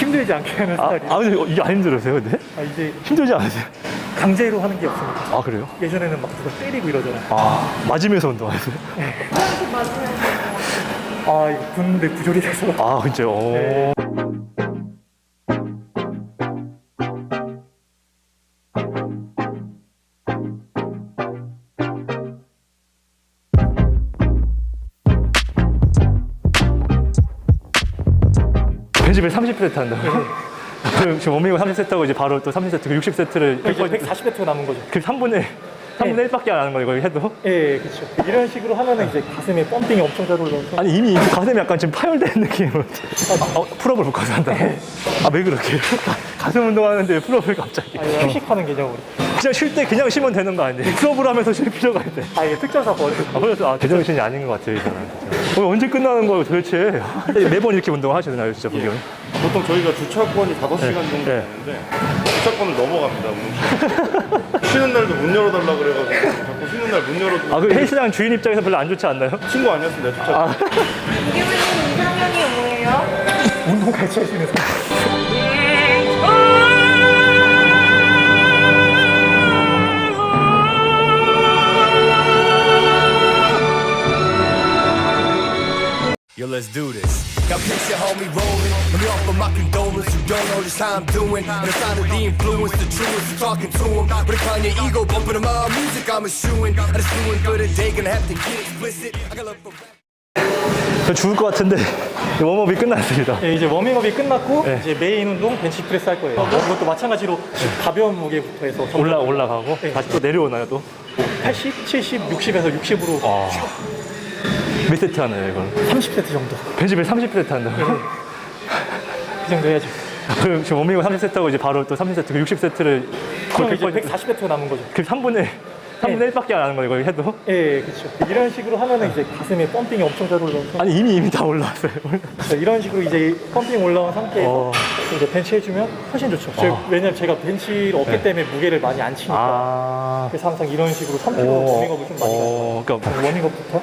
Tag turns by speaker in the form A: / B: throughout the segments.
A: 힘들지 않게 하는 스타일이에요.
B: 근데 이게 안 힘들으세요, 근데?
A: 이제
B: 힘들지 않으세요?
A: 강제로 하는 게 없습니다.
B: 아, 그래요?
A: 예전에는 막 누가 때리고 이러잖아요.
B: 맞으면서 운동하세요?
A: 이거 군대 부조리 돼서.
B: 진짜요?
A: 네.
B: 벤치프레스 30세트 한다고요? 그럼 지금 워밍업 30세트 하고 이제 바로 또 30세트, 60세트를
A: 이제 140배트 남은 거죠.
B: 그 3분의 1밖에 안 하는 거예요, 이거 해도?
A: 예, 그렇죠. 이런 식으로 하면은 이제 가슴에 펌핑이 엄청 잘 올라와서.
B: 아니, 이미 가슴이 약간 지금 파열된 느낌으로. 풀업을 묶어서 한다. 왜 그렇게? 가슴 운동하는데 풀업을 갑자기.
A: 휴식하는 개념으로.
B: 그냥 쉴 때 그냥 쉬면 되는 거 아니에요? 풀업을 하면서 쉴 필요가 있대.
A: 이게 특전사 버릇.
B: 그래서 제정신이 아닌 것 같아요, 저는. 언제 끝나는 거예요, 도대체? 매번 이렇게 운동하시나요, 진짜, 보기엔?
C: 보통 저희가 주차권이 5시간 정도
B: 네.
C: 되는데 주차권을 넘어갑니다. 쉬는 날도 문 열어달라 그래가지고 자꾸 쉬는 날 문 열어주고
B: 그 헬스장 주인 입장에서 별로 안 좋지 않나요?
C: 친구 아니었으면 내가 주차권
D: 이기훈님 이상형이 뭐예요?
A: 운동 같이 하시는 사람.
E: Yo, let's do this. Got picture homie rolling. Let me offer my condolence. You don't know just how I'm doing. And it's not of the influence, the truest. You talking to him. But it your ego bumping to my music. I'm eschewing. I just doing good a day. Gonna have to get explicit. I got love for rap.
B: 저 죽을 것 같은데 웜업이 끝났습니다.
A: 예, 이제 워밍업이 끝났고
B: 네.
A: 이제 메인 운동 벤치프레스 할 거예요. 이것도 마찬가지로 가벼운 무게부터 해서
B: 올라가고
A: 네.
B: 다시 또 내려오나요 또?
A: 80, 70, 60에서 60으로
B: 몇 세트 하나요 이건?
A: 30세트 정도.
B: 벤치프레스 30세트 한다고요?
A: 그 정도 해야죠.
B: 그럼 지금 워밍업 30세트 하고 이제 바로 또 30세트, 60세트를
A: 그럼 이제 140배트 남은 거죠.
B: 그 3분의 1밖에 안 하는 거예요, 이거 해도?
A: 예, 그렇죠. 이런 식으로 하면은 이제 가슴에 펌핑이 엄청 잘 올라와서.
B: 아니, 이미 다 올라왔어요.
A: 이런 식으로 이제 펌핑 올라온 상태에서
B: 어.
A: 이제 벤치 해주면 훨씬 좋죠. 왜냐면 제가 벤치를 없기 때문에 무게를 많이 안 치니까. 그래서 항상 이런 식으로 3kg 워밍업을 좀 많이 가요.
B: 그러니까
A: 워밍업부터.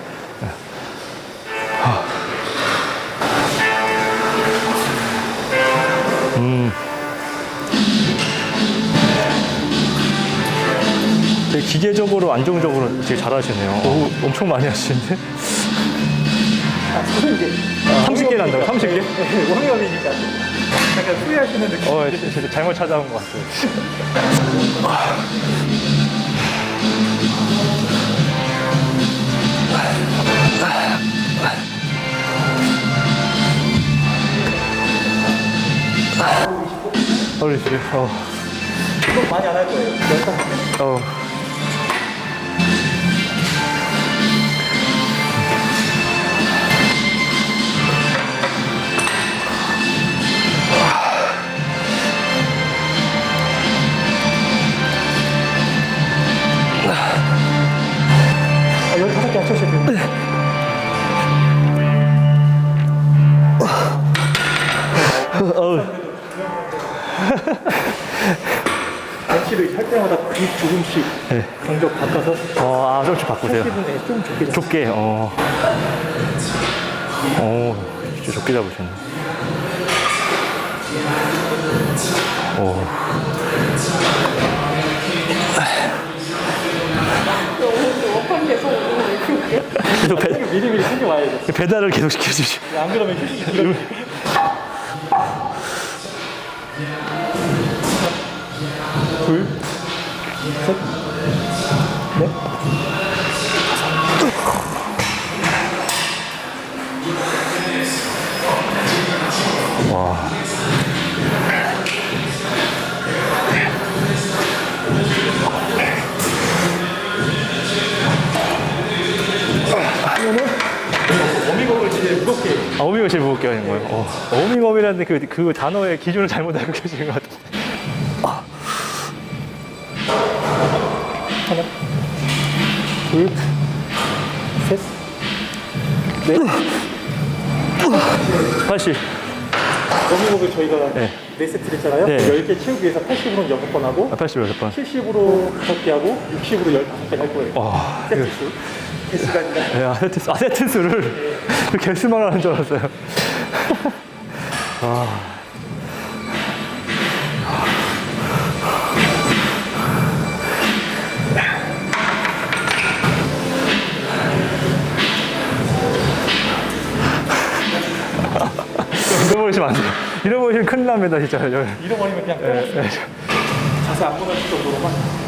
B: 되게 기계적으로 안정적으로 되게 잘하시네요. 엄청 많이 하시는데?
A: 이제
B: 30개 난다고요? 30개?
A: 네, 워밍업이니까 약간 후회하시는 느낌.
B: 진짜 잘못 찾아온 것 같아요. 어리시죠?
A: 좀 많이 안 할 거예요. 15개. 아, 15개 안 쳐주셔도 돼요. 벤치를 할 때마다 근육 조금씩 간격 바꿔서
B: 조금씩 바꾸세요.
A: 80분에 좀 좁게 잡아요.
B: 좁게, 진짜 좁게 잡으시네.
A: 계속 미리미리 챙겨와야 돼.
B: 배달을 계속 시켜주시.
A: 안 그러면 휴식이 길어요. 둘, 셋, 넷.
B: 와.
A: 워밍업을 제일 무겁게.
B: 워밍업이 제일 무겁게 하는 거예요. 워밍업이라는 그 단어의 기준을 잘못 알고 계시는 것 같아요.
A: 하나, 둘, 셋, 넷.
B: 80.
A: 워밍업을 저희가
B: 네.
A: 4세트를 했잖아요.
B: 네.
A: 10개 채우기 위해서 80으로는 6번 하고
B: 80 6번.
A: 70으로 5개 하고 60으로 15개 할 거예요. 세트수. 개수가 아니라.
B: 세트 수를 개수만 하는 줄 알았어요. 잃어버리시면 안 돼요. 잃어버리시면 큰일 납니다, 진짜.
A: 잃어버리면 그냥 자세 안 무너질 정도로만.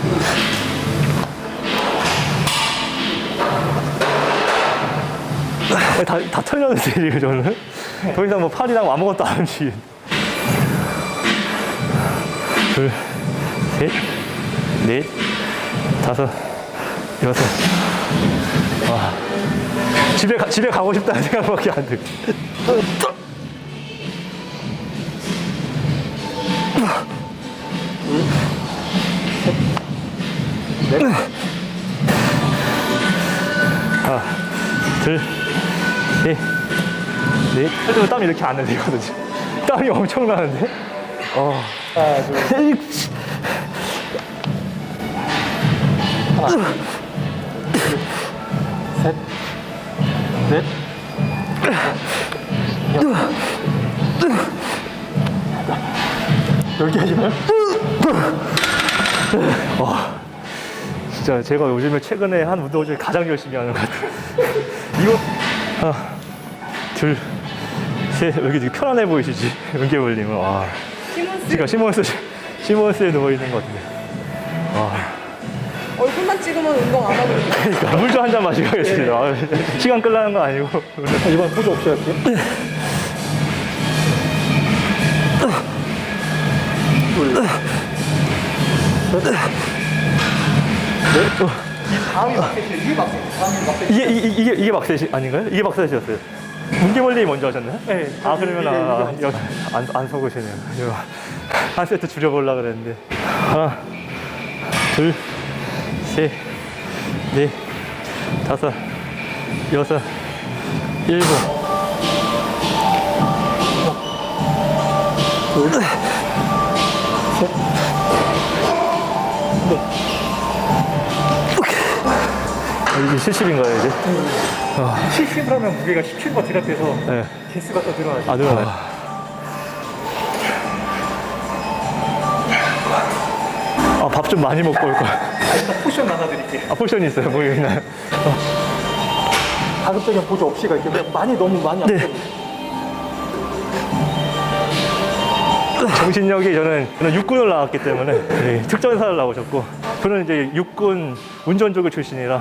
B: 다 털렸는데, 지금 저는. 더 이상 뭐 팔이랑 아무것도 안 움직이는. 둘, 셋, 넷, 다섯, 여섯. 와. 집에 가고 싶다는 생각밖에 안 들고. 하나, 둘, 셋, 넷. 그래도 땀이 이렇게 안 흘리거든요. 땀이 엄청 나는데?
A: 하나, 둘, 셋, 넷, 여기 하시나요?
B: 진짜 제가 요즘에 최근에 한 운동 중에 가장 열심히 하는 것 같아요. 이거 하나, 둘, 셋. 여기 되게 편안해 보이시지? 은개물님은. 와. 지금 시몬스에 누워 있는 것 같은데. 와.
D: 얼굴만 찍으면 운동 안 하고 있어요.
B: 그러니까 물 좀 한 잔 마시고 가겠습니다. 아, 시간 끌라는 거 아니고.
A: 이번 포즈 없이 할게요. 다음이 막셋이에요. 이게 막셋. 다음이 막셋.
B: 이게 막셋이 아닌가요? 이게 막셋이었어요. 문개물님이 먼저 하셨나요?
A: 네.
B: 아, 그러면 안 속으시네요. 이거 한 세트 줄여보려고 그랬는데. 하나, 둘, 셋, 넷, 다섯, 여섯, 일곱.
A: 둘, 셋,
B: 이게 70인가요, 이제?
A: 70을 하면 무게가 17가 들어가서
B: 네.
A: 개수가 더 늘어나죠.
B: 아, 늘어나요. 아, 밥 좀 많이 먹고 올 거야.
A: 일단 포션 나눠드릴게요.
B: 아, 포션이 있어요. 뭐 있나요?
A: 가급적인 보조 없이 갈게요. 그냥 너무 많이 안
B: 네. 정신력이 저는 육군을 나왔기 때문에 네, 특전사를 나오셨고 저는 이제 육군 운전조교 출신이라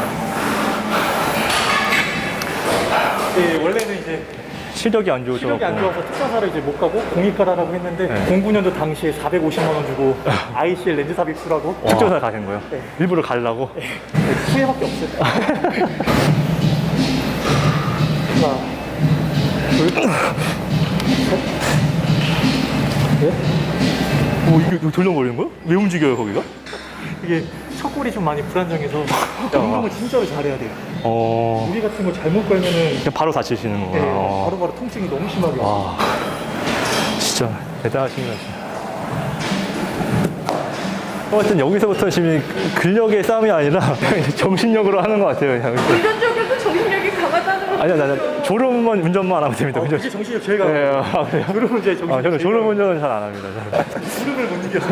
A: 네, 원래는 이제
B: 시력이 안 좋으셔서
A: 시력이 안 좋아서 특전사를 이제 못 가고 공익가라라고 했는데 09년도 당시에 450만 원 주고 ICL 렌즈 삽입수라고
B: 특전사 가신 거예요?
A: 네.
B: 일부러 가려고?
A: 후회밖에 없어요. 하나, 둘, 셋, 넷.
B: 오, 이거 돌려버리는 거예요? 왜 움직여요, 거기가?
A: 이게 척골이 좀 많이 불안정해서 운동을 진짜로 잘해야 돼요. 무리 같은 거 잘못 걸면은
B: 그냥 바로 다치시는
A: 네,
B: 거구나.
A: 바로바로 통증이 너무 심하게 와요.
B: 와, 진짜 대단하신 것 같아요. 하여튼 여기서부터 지금 근력의 싸움이 아니라 그냥 이제 정신력으로 하는 것 같아요. 그냥.
D: 운전적으로도 정신력이 강하다는 걸.
B: 아니야, 나 졸음만 운전만 하면 됩니다. 운전.
A: 그게 정신력 제일 강해요.
B: 네, 아, 그래요?
A: 졸음은 제 정신력
B: 저는
A: 제일
B: 졸음
A: 강해요.
B: 운전은 잘 안 합니다. 저는.
A: 졸음을 못 이겨서.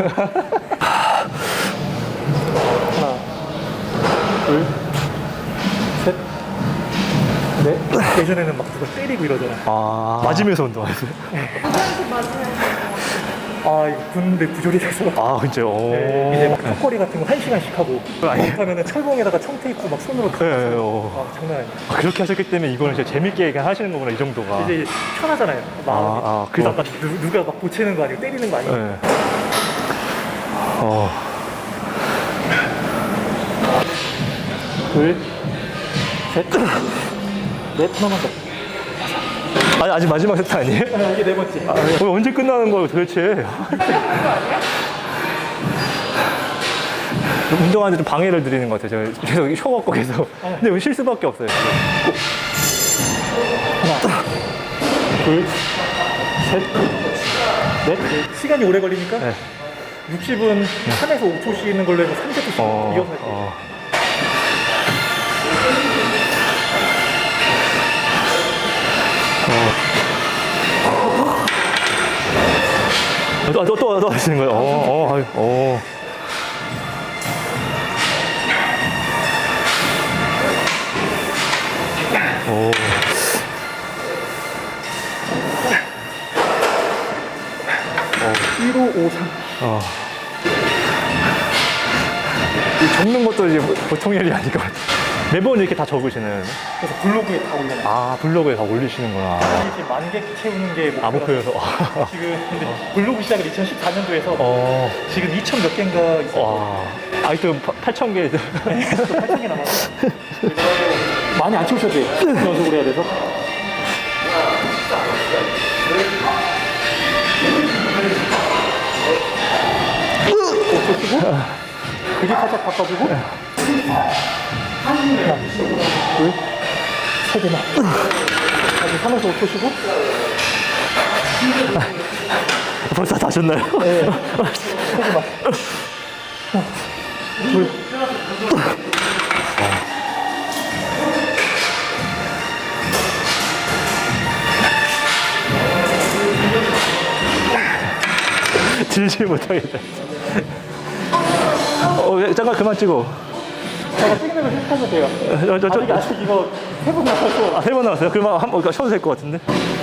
A: 하나, 둘, 셋, 넷. 예전에는 막 누가 때리고 이러잖아요.
B: 아, 맞으면서 운동하세요?
D: 운전에서 맞으면
A: 아, 이거 군대 부조리 돼서.
B: 아, 진짜요? 오.
A: 네, 이제 막 턱걸이 같은 거 1시간씩 하고 못하면은 철봉에다가 청테이프 막 손으로 다
B: 네,
A: 아, 장난 아니에요.
B: 아, 그렇게 하셨기 때문에 이거는 진짜 재밌게 그냥 하시는 거구나, 이 정도가.
A: 이제 편하잖아요. 마음이.
B: 그래서
A: 아까 누가 막 보채는 거 아니고 때리는 거 아니고.
B: 네.
A: 둘, 셋, 넷, 하나만 더.
B: 아니, 아직 마지막 세트 아니에요?
A: 이게 네 번째.
B: 언제 끝나는 거예요, 도대체? 운동하는데 좀 방해를 드리는 것 같아요. 제가 계속 쉬어 갖고 계속. 근데 왜 실수밖에 없어요.
A: 하나, 둘, 셋, 넷. 시간이 오래 걸리니까
B: 네.
A: 60은 3에서 5초 쉬는 걸로 해서 3세트씩 이어서 할게요.
B: 또 하시는 거예요?
A: 1553.
B: 이 적는 것도 이제 보통 일이 아닐 것 같아요. 매번 이렇게 다 적으시는.
A: 그래서 블로그에 다 올려놔요.
B: 아, 블로그에 다 올리시는구나.
A: 이게 지금 10,000개 채우는 게
B: 목표여서.
A: 지금 근데 블로그 시작을 2014년도에서 지금 2,000 몇 개인가 있어요.
B: 와. 아직도 8,000개.
A: 8,000개 남았어. 많이 안 채우셔도 돼요. 연속으로 해야 돼서. 꽂히고 그게 살짝 바꿔주고 하나, 둘, 세 개나. 다시 3에서 5 쏘시고.
B: 벌써 다 하셨나요?
A: 네. 세 개만. 하나, 둘.
B: 들지 못하겠다. 잠깐 그만 찍어.
A: 제가 찍는 거 실수하셔도 돼요. 아직 이거 3번 나왔어.
B: 3번 나왔어요? 그러면 한번 쉬어도 될 것 같은데.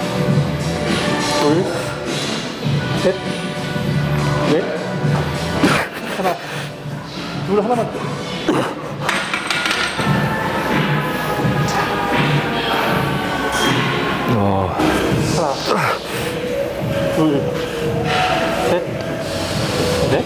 A: 둘, 셋, 넷, 하나, 둘 하나만. 하나, 둘, 셋, 넷.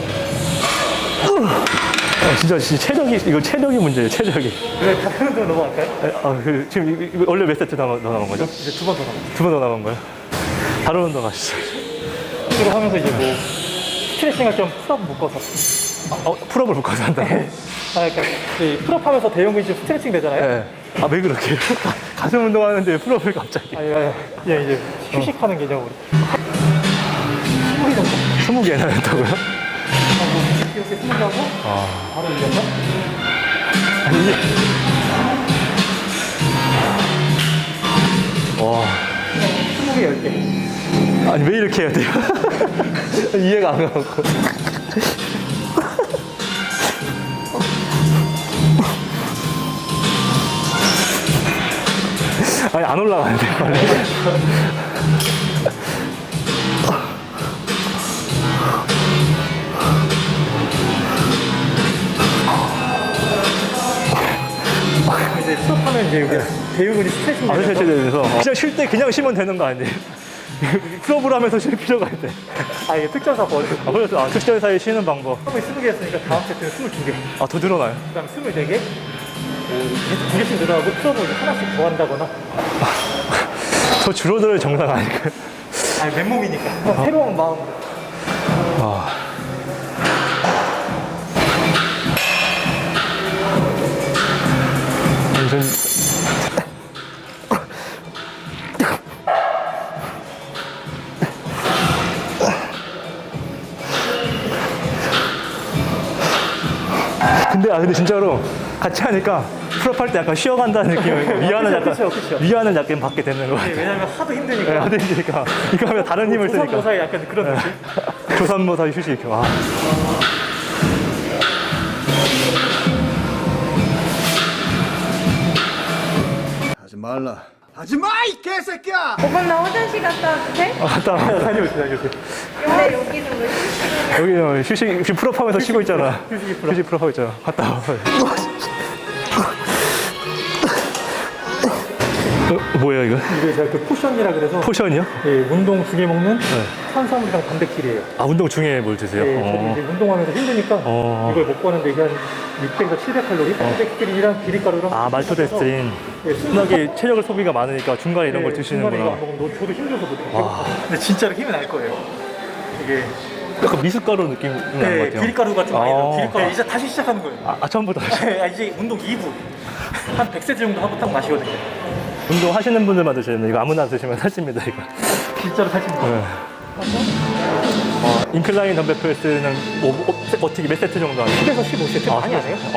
B: 진짜 이거 체력이 문제예요, 체력이.
A: 그래, 다른 운동 넘어갈까요?
B: 지금 이거 원래 몇 세트 더 남은 거죠?
A: 이제 2번 더 남았어요.
B: 2번 더 남은 거예요? 다른 운동 하시죠.
A: 이거 하면서 이제 뭐 스트레칭을 좀 풀업 묶어서.
B: 풀업을 묶어서 한다.
A: 그러니까 풀업 하면서 대형 근육 스트레칭 되잖아요.
B: 네. 왜 그렇게? 가슴 운동하는데 풀업을 갑자기.
A: 그냥 이제 휴식하는 개념으로. 20개 정도.
B: 20개나 했다고요?
A: 이렇게 20개 하고 바로 이겨서.
B: 와.
A: 20개 10개.
B: 아니, 왜 이렇게 해야 돼요? 이해가 안 가고. 아니, 안 올라가는데, 빨리.
A: 이제 풀업하면 이제 여기 대형 근육 스트레칭
B: 안
A: 되면서
B: 되면서 그냥 쉴 때 그냥 쉬면 되는 거 아니에요? 풀업을 하면서 쉴 필요가 있대.
A: 이게 특전사 버리고
B: 그래서 특전 사이에 쉬는 방법.
A: 처음에 20개 했으니까 다음 세트는 22개,
B: 더 늘어나요?
A: 그 다음 24개, 2개씩 늘어나고 풀업을 하나씩 더 한다거나.
B: 저 줄어들 정상 아닐까요?
A: 맨몸이니까. 새로운 마음으로.
B: 전 근데 진짜로 같이 하니까 풀업할 때 약간 쉬어간다는 느낌이 위안을 약간 받게 되는 거 같아요.
A: 왜냐면 하도 힘드니까.
B: 네, 하도 힘드니까 이거 하면 다른 힘을 쓰니까
A: 조선모사의 약간 그런 느낌.
B: 조산모사 휴식.
E: 하지 말라. 하지 마, 이 개새끼야!
D: 오빠 나 화장실 갔다 와도 돼?
B: 갔다 와.
A: 다녀오세요.
D: 근데 여기는 왜 휴식을 해?
B: 여기 휴식 풀업하면서 쉬고 있잖아. 휴식 풀업하고 있잖아. 갔다 와. 뭐야 이거?
A: 이게 제가 그 포션이라 그래서
B: 포션이요?
A: 운동 중에 먹는 탄수화물이랑 단백질이에요.
B: 운동 중에 뭘 드세요?
A: 저는 이제 운동하면서 힘드니까 이걸 먹고 하는데 이게 한 600에서 700칼로리? 단백질이랑 비리가루랑
B: 말토데스트린. 워낙에 체력을 소비가 많으니까 중간에 이런 걸 드시는구나.
A: 중간에 이거 안 먹으면 저도 힘들어서 못해요. 근데 진짜로 힘이 날 거예요. 이게
B: 약간 미숫가루 느낌 나는 것 같아요.
A: 비리가루가 좀 많이 나요. 비리가루 이제 다시 시작하는 거예요.
B: 처음부터
A: 이제 운동 2부 한 100세트 정도 하고 딱 마시거든요.
B: 운동 하시는 분들만 드셔야 돼요. 이거 아무나 드시면 살찝니다 이거.
A: 진짜로 살찐다.
B: 인클라인 덤벨 프레스는 어떻게 몇 세트 정도 하세요?
A: 10에서 15세트 많이 안 해요?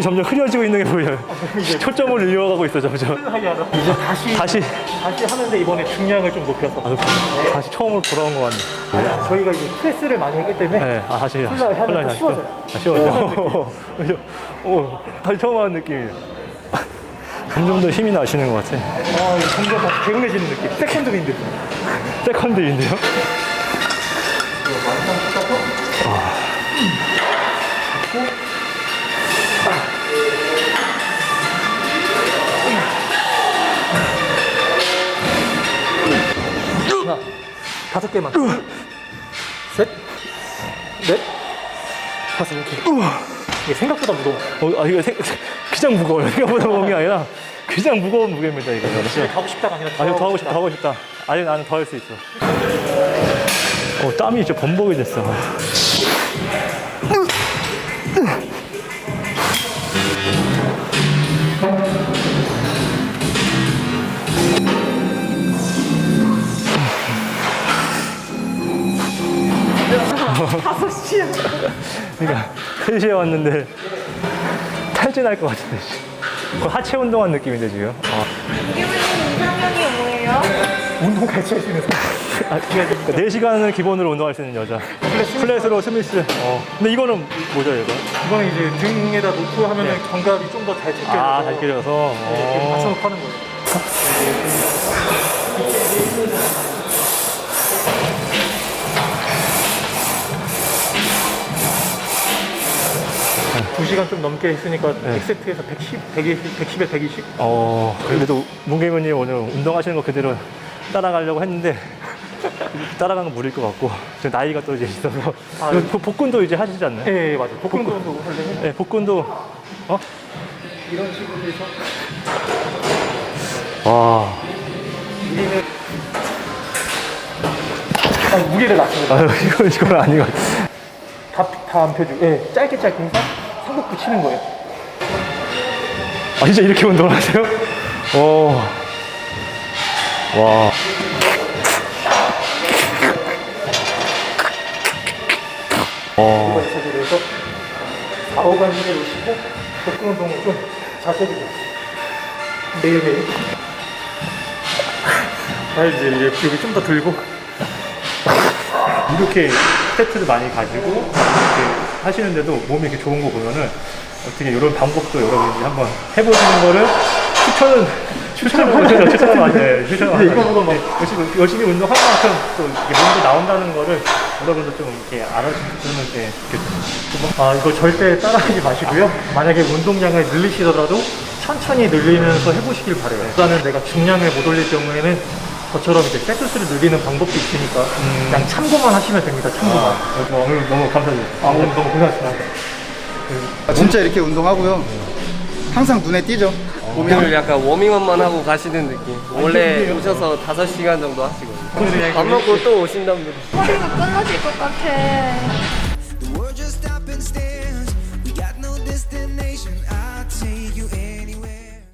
B: 점점 흐려지고 있는 게 보여요. 초점을 잃어가고 있어 점점.
A: 이제 다시
B: 다시
A: 하는데 이번에 중량을 좀 높여서
B: 다시 처음으로 돌아온 것 같네.
A: 저희가 이제 프레스를 많이 했기 때문에
B: 네, 다시
A: 하면 더 쉬워져요.
B: 쉬워져. 오, 다시 처음 하는 느낌이에요. 점점 더 힘이 나시는 것 같아.
A: 이거 점점 더 개운해지는 느낌. 세컨드 윈드.
B: 세컨드인데요?
A: 하나, 5개만. 셋, 넷, 5. 이렇게. 이게 생각보다 무거워.
B: 이거 그냥 무거워요. 생각보다 무거운 게 아니라 그냥 무거운 무게입니다 이거.
A: 집에 가고 싶다가 아니라
B: 더 하고 싶다, 더 하고 싶다. 아니 나는 더 할 수 있어. 땀이 진짜 범벅이 됐어. 그러니까 3시에 왔는데 탈진할 것 같은데. 하체 운동한 느낌인데 지금.
D: 이기훈님 이상형이 뭐예요?
A: 운동 같이 할 수 있는 사람.
B: 4시간을 기본으로 운동할 수 있는 여자. 플랫으로 스미스. 근데 이거는 뭐죠 이거?
A: 이거는 이제 등에다 놓고 하면은 견갑이 좀 더 잘 제껴져서
B: 잘 끼려서.
A: 이렇게 맞춰놓고 하는 거예요. 두 시간 좀 넘게 했으니까 100세트에서 110에 120?
B: 그래도 문경훈님 오늘 운동하시는 거 그대로 따라가려고 했는데 따라간 건 무리일 것 같고 지금 나이가 또 이제 있어서 복근도 이제 하시지 않나요?
A: 네, 맞아요. 복근도 하려면
B: 네, 복근도
A: 이런 식으로 해서
B: 와.
A: 무게를 낮춰요.
B: 이건 아닌 것 같아.
A: 다 안 펴주고 짧게 해서 상복 붙이는 거예요.
B: 진짜 이렇게 운동을 하세요? 와.
A: 이거 자세로 해서 4, 5간 힘에 놓으시고 복근 운동을 좀 자주 해주세요. 매일매일. 알지? 여기 좀 더 들고.
B: 이렇게 세트를 많이 가지고 이렇게 하시는데도 몸이 이렇게 좋은 거 보면은 어떻게 이런 방법도 여러분이 한번 해보시는 거를 추천을
A: 이거보다 막
B: 열심히 운동한 만큼 또 이게 몸도 나온다는 거를 여러분도 좀 이렇게 알아주시면 이렇게 좋겠어요.
A: 이거 절대 따라하지 마시고요. 만약에 운동량을 늘리시더라도 천천히 늘리면서 해보시길 바래요. 일단은 내가 중량을 못 올릴 경우에는 저처럼 이제 세트 수를 늘리는 방법도 있으니까 그냥 참고만 하시면 됩니다. 참고만.
B: 오늘 너무 감사드립니다.
A: 오늘 너무 고생하셨습니다.
F: 진짜 이렇게 운동하고요. 항상 눈에 띄죠.
G: 오늘 약간 워밍업만 하고 가시는 느낌. 원래 오셔서 5시간 정도 하시거든요. 밥 먹고 또 오신답니다.
D: 허리가 끊어질 것 같아.